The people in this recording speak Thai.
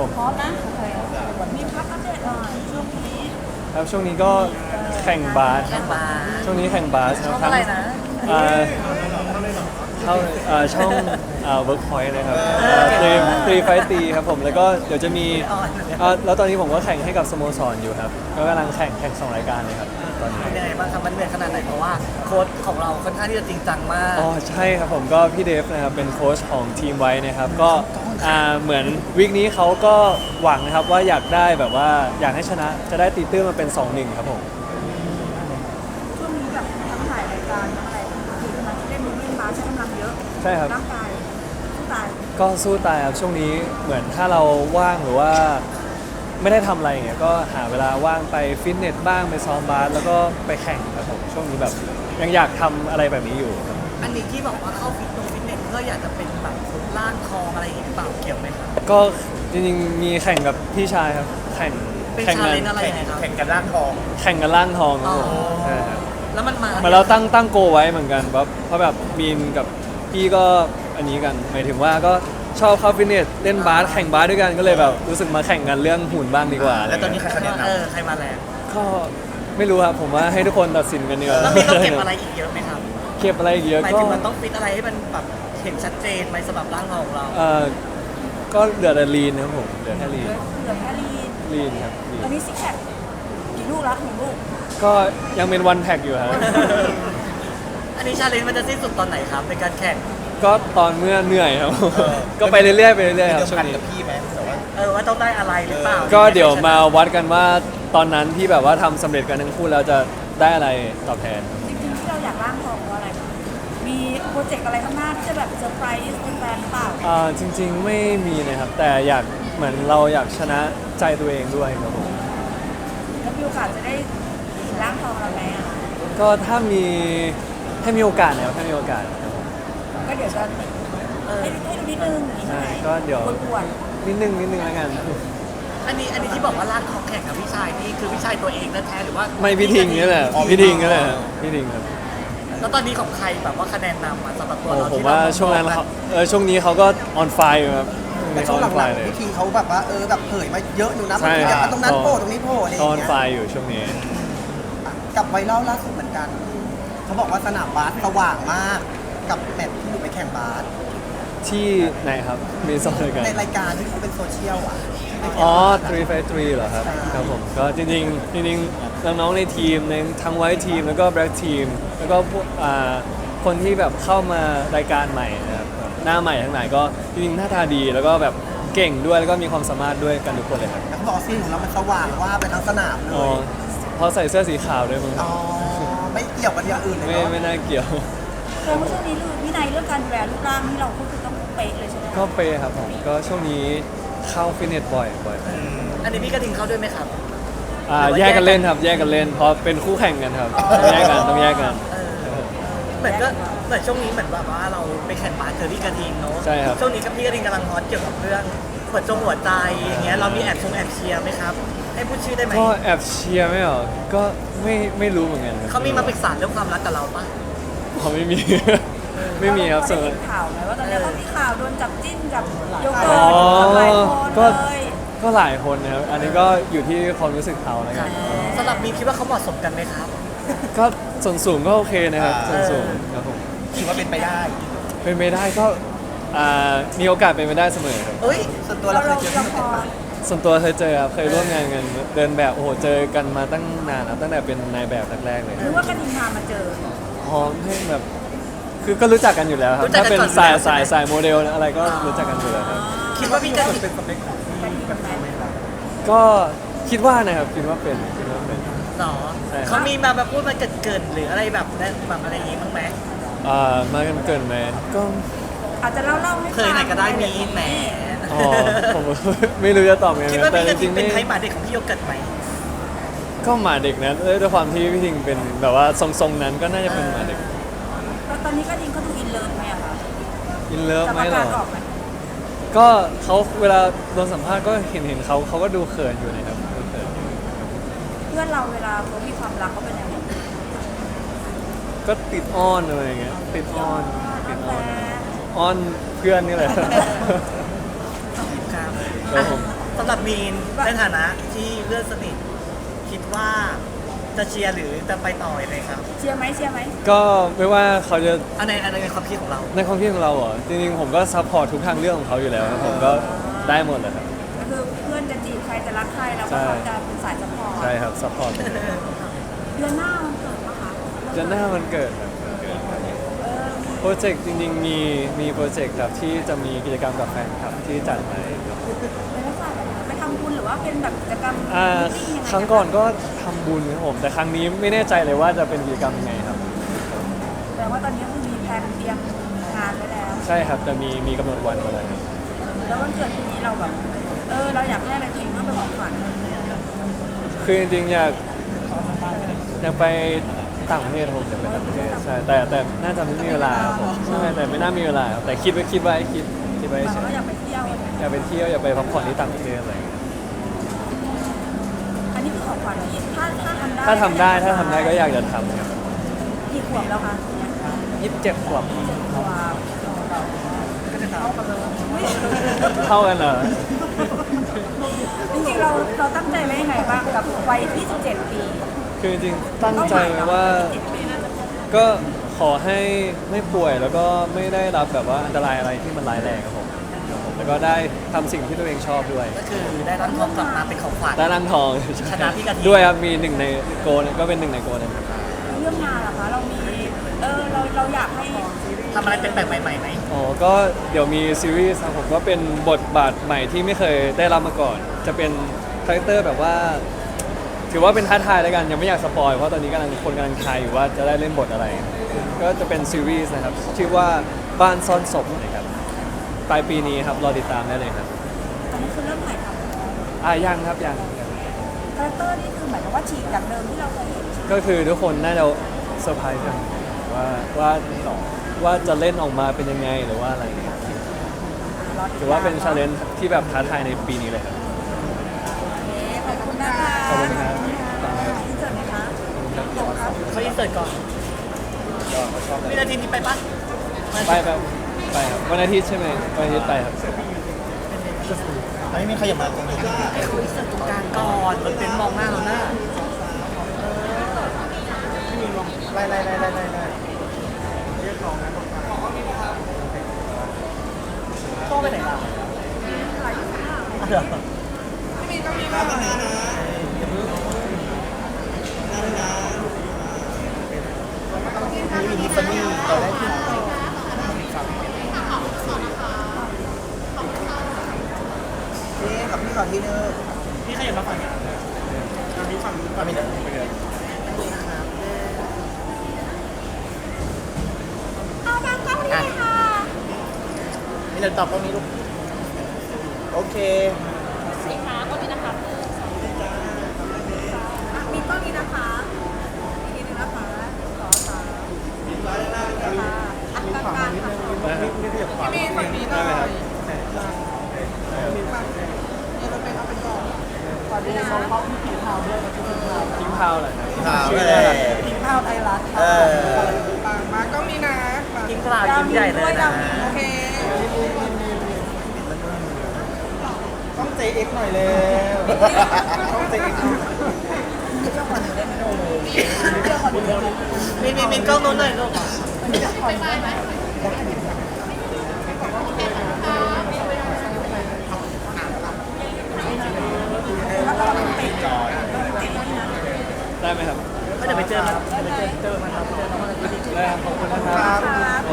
พร้อมนะโอเคมีพักอัปเดตหน่อยช่วงนี้ครับช่วงนี้ก็แข่งบาสแข่งบาสช่วงนี้แข่งบาสคช่รัอบ งอะไรนะอ่าเข้าช่องWorkpoint นะครับตีไฟตีครับผมแล้วก็เดี๋ยวจะมีแล้วตอนนี้ผมก็แข่งให้กับสโมสรอยู่ครับก็กำลังแข่ง2 รายการเลยครับตอนนี้เป็นยังไงบ้างครับมันเหนื่อยขนาดไหนเพราะว่าโค้ชของเราค่อนข้างที่จะจริงจังมากอ๋อใช่ครับผมก็พี่เดฟนะครับเป็นโค้ชของทีมไว้นะครับก็เหมือนวีคนี้เขาก็หวังนะครับว่าอยากได้แบบว่าอยากให้ชนะจะได้ตีตื้นมาเป็น 2-1 ครับผมช่วงนี้แบบทั้งถ่ายรายการทั้งอะไรคือกำลังเล่นมูฟเมนต์บาสใช้กำลังเยอะใช่ครับร่างกายสู้ตายก็สู้ตายครับช่วงนี้เหมือนถ้าเราว่างหรือว่าไม่ได้ทำอะไรอย่างเงี้ยก็หาเวลาว่างไปฟิตเนสบ้างไปซ้อมบาสแล้วก็ไปแข่งครับผมช่วงนี้แบบยังอยากทำอะไรแบบนี้อยู่ครับอันนี้ที่บอกว่าเข้าฟิตเนสเพื่ออยากจะเป็นแบบร่างทองอะไรอย่างเงี้ยหรือเปล่าเกี่ยวไหมครับก็จริงๆมีแข่งกับพี่ชายครับแข่งเป็นแข่งชากัเลนจ์อะไรยังไงครับแข่งกันร่างทองแข่งกันล่างทองครับผมอ๋อใช่ครับแล้วมันมาเหมือนเราตั้งโกไว้เหมือนกันเพราะแบบมีนกับพี่ก็อันนี้กันหมายถึงว่าก็ชอบเข้าฟิตเนสเล่นบาสแข่งบาสด้วยกันก็เลยแบบรู้สึกมาแข่งกันเรื่องหุ่นบ้างดีกว่าแล้วตอนนี้ใครคะแนนนำใครมาแรงก็ไม่รู้ครับผมว่าให้ทุกคนตัดสินกันดีกว่าแล้วมีต้องเก็บอะไรอีกเยอะไหมครับเก็บอะไรอีกเยอะหมายก็ถึงมันต้องฟิตอะไรให้มันแบบเห็นชัดเจนไหมสำหรับร่างทองของเราก็เหลือแต่ลีนครับผมเหลือแค่ลีนเหลือแค่ลีนลีนครับลีตอนนนี้ซิกแพคกี่ลูกแล้ว1 ลูกก็ยังเป็นวันแพ็กอยู่ครับอันนี้ชาเลนจ์มันจะสิ้นสุดตอนไหนครับในการแข่งก็ตอนเมื่อเหนื่อยครับ ก็ไปเรื่อยๆไปเรื่อยๆครับเดิมช่วพังนนี้กับพี่ไหมแต่ว่าว่าต้องได้อะไรหรือเปล่าก็เดี๋ยวมาวัดกันว่าตอนนั้นที่แบบว่าทำสำเร็จกันทั้งคู่แล้วจะได้อะไรตอบแทนจริงๆที่เราอยากร่างทองเพราะอะไรมีโปรเจกต์อะไรข้างหน้าที่จะแบบเซอร์ไพรส์แฟนๆหรือเปล่าจริงๆไม่มีนะครับ แต่อยากเหมือนเราอยากชนะใจตัวเองด้วยครับผมแล้วมีโอกาสจะได้ร่างทองเราไหมอ่ะก็ถ้ามีโอกาสนะครับถ้ามีโอกาสครับผมก็เดี๋ยวจะให้ดูนิดนึงอย่างนี้ใช่ไหมก็เดี๋ยวปวดนิดนึงแล้วกันอันนี้ที่บอกว่าร่างทองแข่งกับพี่ชายนี่คือพี่ชายตัวเองแท้ๆหรือว่าไม่พี่ทิงนี่แหละพี่ทิงนี่แหละพี่ทิงครับแล้วตอนนี้ของใครแบบว่าคะแนนนำมาสำหรับตัวโอ้เราผมที่ว่าเรช่วงนั้นเขาช่วงนี้เขาก็ออนไฟอยู่ครับแต่ช่วงออนหไฟลังเลยๆพี่ทีเขาแบบว่าแบบเผยมาเยอะอยู่นะใช่บางทีแบบตรงนั้นโผล่ตรงนี้โผล่อะไรอเขาออนย่างเงี้ไฟยอยู่ช่วงนี้กับไวรัลล่าสุดเหมือนกัน เขาบอกว่าสนามบาสสว่างมากกับแมตช์ที่หนูไปแข่งบาสที่ไหนครับมีสองรายการในรายการที่เขาเป็นโซเชียลอ่ะอ๋อ3 เหรอครับครับผมก็จริงๆน้องๆในทีมในทั้งไวท์ทีมแล้วก็แบล็กทีมแล้วก็พวกคนที่แบบเข้ามารายการใหม่นะครับแบบหน้าใหม่ทั้งหลายก็จริงๆหน้าตาดีแล้วก็แบบเก่งด้วยแล้วก็มีความสามารถด้วยกันทุกคนเลยครับแล้วเขาบอกว่าซีนของเรามันสว่างว่าไปทั้งสนามเลอ๋อย เพราะใส่เสื้อสีขาวด้วยมั้งอ๋อไม่เกี่ยวกับอย่างอื่นเลยไม่เนาะไม่น่าเกี่ยวๆคือว่าช่วงนี้วินัยเรื่องการดูแลรูปร่างที่เราก็คือต้องเป๊ะเลยใช่ไหมก็เปย์ครับผมก็ช่วงนี้เข้าฟิตเนสบ่อยอันนี้พี่กระทิงเข้าด้วยไหมครับแยกกันเล่นครับแยกกันเล่นเพราะเป็นคู่แข่งกันครับต้องแยกกันต้องแยกกันเหมือนช่วงนี้เหมือนแบบว่าเราไปแข่งบาสเจอพี่กระทิงเนาะใช่ครับช่วงนี้กับพี่กระทิงกำลังฮอตเกี่ยวกับเรื่องหัวใจอย่างเงี้ยเรามีแอบเชียร์ไหมครับ ให้พูดชื่อได้ไหมก็แอบเชียร์ไม่หรอก็ไม่รู้เหมือนกันครับเขามีมาปรึกษาเรื่องความรักกับเราปะเขาไม่มี ไม่มีครับส่ส่ววนนข่าวไหมว่าตอนนี้เขามีข่าวโดนจับจิ้นกับโยเกิอ๋อร์ตหลายคนก็เลยก็หลายคนนะครับอันนี้ก็อยู่ที่ความรู้สึกเขาแล้วกันสำหรับมีคิดว่าเขาเหมาะสมกันไหมครับก็ส่วนสูงก็โอเคนะครับส่วนสูงครับผมคิดว่าเป็นไปได้เป็นไปได้ก็มีโอกาสเป็นไปได้เสมอครับเอ้ยส่วนตัวเราเคยเจอพี่มาเป็นปะส่วนตัวเคยเจอครับเคยร่วมงานกันเดินแบบโอ้โหเจอกันมาตั้งนานครับตั้งแต่เป็นนายแบบแรกๆเลยหรือว่ากระทิงพามาเจออ๋อให้แบบคือก็รู้จักกันอยู่แล้วครับรู้จักถ้ากันเป็นก่อนสายอยู่แล้วสายใช่ไหมสายโมเดลอะไรก็รู้จักกันอยู่แล้วครับคิดว่าพี่กระทิงเป็นสเปคของพี่กระทิงไหมครับก็คิดว่านะครับคิดว่าเป็นหรอใช่เขามีมาแบบพูดมาเกินหรืออะไรแบบนั้นแบบอะไรอย่างงี้บ้างไหมมากันเกินไหมก็อาจจะเล่าให้เคยไหนก็ได้มีแหมอ๋อผม ไม่รู้จะตอบยังไงคิดว่าแต่พี่กระจทิริงงๆเป็นไม่ไทยหมาเด็กของพี่โยเกิร์ตไหมก็หมาเด็กนะด้วยความที่พี่ทิงเป็นแบบว่าทรงๆนั้นก็น่าจะเป็นหมาเด็กตอนนี้กระทิงเขาดูอินเลิฟไหมอะคะอินเลิฟจะไหมประหรกาอศออกไหมก็เขาเวลาโดนสัมภาษณ์ก็เห็นเขาก็ดูเขินอยู่นะครับดูเขินอยู่เพื่อนเราเวลาเขามีความรักเขาเป็นยังไงก็ติดอ้อนอะไรอย่างเงี้ยติดอ้อนติดอ้อนแต่อ้อนเพื่อนนี่แหละครับครับผมสำหมีนในฐานะที่เพื่อนสนิทคิดว่าจะเชียร์หรือจะไปต่อยังไงครับเชียร์ไหมเชียร์ไหมก็ไม่ว่าเขาจะในความคิดของเราในความคิดของเราเหรอจริงๆผมก็ซัพพอร์ตทุกทางเรื่องของเขาอยู่แล้วครับผมก็ได้หมดเลยครับก็คือเพื่อนจะจีบใครจะรักใครเราก็พร้อมจะเป็นสายสปอร์ตใช่ครับซัพพอร์ตเดือนหน้ามันเกิดปะคะจะหน้ามันเกิดครับเออโปรเจกต์จริงๆมีโปรเจกต์ครับที่จะมีกิจกรรมกับแฟนคลับที่จัดไว้ครับเป็นลักษณะแบบไหนไปทำบุญหรือว่าเป็นแบบกิจกรรมอ่า meeting ยังไงครั้งก่อนก็ทำบุญครับผมแต่ครั้งนี้ไม่แน่ใจเลยว่าจะเป็นกิจกรรมยังไงครับแปลว่าตอนนี้คือมีแผนเตรียมงานไว้แล้วใช่ครับจะมีกำหนดวันมาแล้วครับแล้ววันเกิดปีนี้เราแบบเราอยากให้อะไรตัวเองเพื่อเป็นของขวัญคือจริงๆอยากไปต่างประเทศครับผมอยากไปต่างประเทศใช่แต่น่าจะไม่มีเวลาครับผมใช่แต่ไม่น่ามีเวลาครับแต่คิดไว้คิดเราเฉยก็อยากไปเที่ยวอยากไปเที่ยวอยากไปพักผ่อนที่ต่างประเทศอะไรอย่างเงี้ยอันนี้คือของขวัญนี้ถ้าทำได้ถ้าทำได้ก็อยากจะทำครับกี่ขวบแล้วคะเนี่ย 27 ขวบขวบก็จะเท่ากันเลยเท่ากันเหรอจริงๆเราตั้งใจไว้ยังไงบ้างกับวัย27 ปีคือจริงๆตั้งใจไว้ว่าก็ขอให้ไม่ป่วยแล้วก็ไม่ได้รับแบบว่าอันตรายอะไรที่มันร้ายแรงครับผมแล้วก็ได้ทำสิ่งที่ตัวเองชอบด้วยก็คือได้รับทองกลับมาเป็นของขวัญได้ร่างทองชนะพี่กะทิด้วยครับมีหนึ่งในโกลก็เป็นหนึ่งในโกลนะครับเรื่องงานล่ะคะเรามีเราอยากให้ทำอะไรเป็นแปลกใหม่ๆไหมอ๋อก็เดี๋ยวมีซีรีส์ครับผมก็เป็นบทบาทใหม่ที่ไม่เคยได้รับมาก่อน จะเป็นคาแรคเตอร์แบบว่า ถือว่าเป็นท้าทายแล้วกันยังไม่อยากสปอยเพราะตอนนี้คนกำลังทายอยู่ว่าจะได้เล่นบทอะไร ก็จะเป็นซีรีส์นะครับชื่อว่าบ้านซ่อนศพนะครับปลายปีนี้ครับรอติดตามได้เลยครับอันนี้คือเรื่องใหม่ครับยังครับยังคาแรคเตอร์นี่คือหมายถึงว่าฉีกจากเดิมที่เราเคยเห็นก็คือทุกคนน่าจะเซอร์ไพรส์กันว่าจะเล่นออกมาเป็นยังไงหรือว่าอะไรอย่างเงี้ยถือว่าเป็นชาเลนจ์ที่แบบท้าทายในปีนี้เลยครับโอเคขอบคุณนะคะขอบคุณครับที่เจอไหมคะขอบคุณครับเขาอินเสิร์ตก่อนวินาทีนี้ไปปะไปครับวันอาทิตย์ใช่ไหมวันอาทิตย์ไปครับอันนี้มีขยับมาตรงนี้ให้เขาอินเสิร์ตตรงกลางก่อนมันเป็นมองหน้าเราหน้าไล่โต้ไปไหนล่ะมีฟันนี่ต่อได้ที่กับพี่ขอที่นึงพี่ขยับมาฝั่งนี้มีฝั่งนี้ฝั่งนี้เอาบางกล้องนี้เลยค่ะมีเดี๋ยวตอบตรงนี้ลูกโอเคมีกล้องนี้นะคะอีกทีหนึงนะคะขอสามค่ะอันกลางๆค่ะมีฝั่งนี้ได้ไหมครับขอดีนะทิ้งพาวเหรอครับข่าวชื่อเลน่ารักยกินข้าวไทยรัฐเออมากล้องนี้นะกินกล่าวยิ้มใหญ่เลยนะโอเคต้อง JX หน่อยเลยต้อง JX มีกล้องโน้นหน่อยลูกได้ไหมครับก็จะไปเจอมันครับเจอมันครับได้ครับขอบคุณนะครับครับ